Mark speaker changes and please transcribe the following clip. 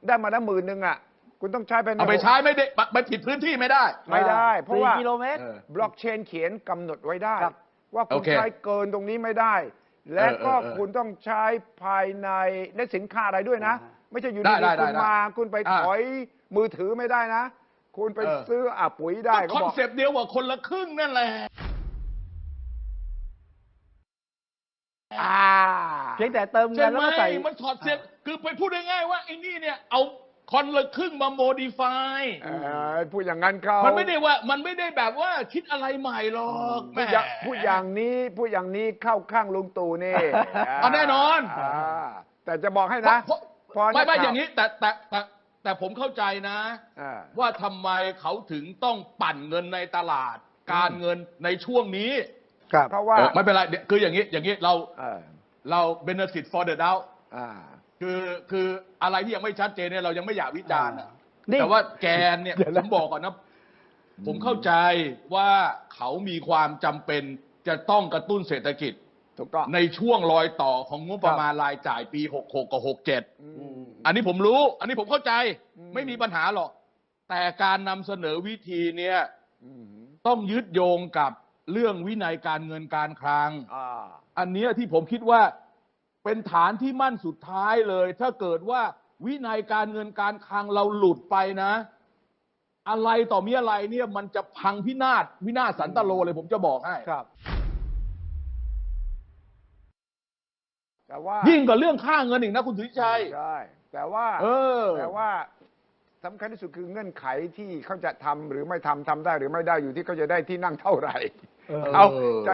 Speaker 1: ได้มาแล้ว10,000อ่ะคุณต้องใช้ไป
Speaker 2: เอาไปใช้ไม่ได้ไปผิดพื้นที่ไม่ได้
Speaker 1: ไม่ได้เพราะว่า
Speaker 3: 4 กิโลเมตร
Speaker 1: บล็อกเชนเขียนกำหนดไว้ได้ว่าคุณ
Speaker 2: โอเค
Speaker 1: ใช้เกินตรงนี้ไม่ได้ และก็คุณต้องใช้ภายในและสินค้าอะไรด้วยนะ ไม่ใช่อยู่ดีๆคุณมาคุณไปถอยมือถือไม่ได้นะ คุณไปซื้อปุ๋ยได้
Speaker 2: คอนเซปต์เดียวกับคนละครึ่งนั่นแหละ
Speaker 3: เพียงแต่เติมเงิ
Speaker 2: ใช่
Speaker 3: น
Speaker 2: ไห
Speaker 3: แล้ว
Speaker 2: ม
Speaker 3: ก็ใส่
Speaker 2: มันถอดเสียงคือไปพูดง่ายๆว่าไอ้นี่เนี่ยเอาคนละครึ่งมาโมดิฟาย
Speaker 1: พูดอย่างนั้นเขา
Speaker 2: มันไม่ได้แบบว่าคิดอะไรใหม่หรอกแม่
Speaker 1: พูดอย่างนี้เข้าข้างลุงตู่นี่
Speaker 2: แน่นอน
Speaker 1: แต่จะบอกให้นะ
Speaker 2: ไม่อย่างนี้แต่ผมเข้าใจนะ ว่าทำไมเขาถึงต้องปั่นเงินในตลาด การเงินในช่วงนี้
Speaker 1: เพราะว่า
Speaker 2: ไม่เป็นไรคืออย่างนี้เรา benefit for the doubt คืออะไรที่ยังไม่ชัดเจนเนี่ยเรายังไม่อยากวิจารณ์แต่ว่าแกนเนี่ยผมบอกก่อนนะผมเข้าใจว่าเขามีความจำเป็นจะต้องกระตุ้นเศรษฐกิจ
Speaker 1: ถูกต้อง
Speaker 2: ในช่วงรอยต่อของงบประมาณรายจ่ายปี66กับ67อันนี้ผมรู้อันนี้ผมเข้าใจไม่มีปัญหาหรอกแต่การนำเสนอวิธีเนี่ยต้องยึดโยงกับเรื่องวินัยการเงินการคลังอันนี้ที่ผมคิดว่าเป็นฐานที่มั่นสุดท้ายเลยถ้าเกิดว่าวินัยการเงินการคลังเราหลุดไปนะอะไรต่อมีอะไรเนี่ยมันจะพังวินาศสันตโลเลยผมจะบอกให้
Speaker 1: ครับแต่ว่า
Speaker 2: ยิ่งกว่าเรื่องค่าเงินอีกนะคุณสุทธิชัย
Speaker 1: ใช่แต่ว่าสำคัญที่สุดคือเงื่อนไขที่เขาจะทำหรือไม่ทำได้หรือไม่ได้อยู่ที่เขาจะได้ที่นั่งเท่าไหร่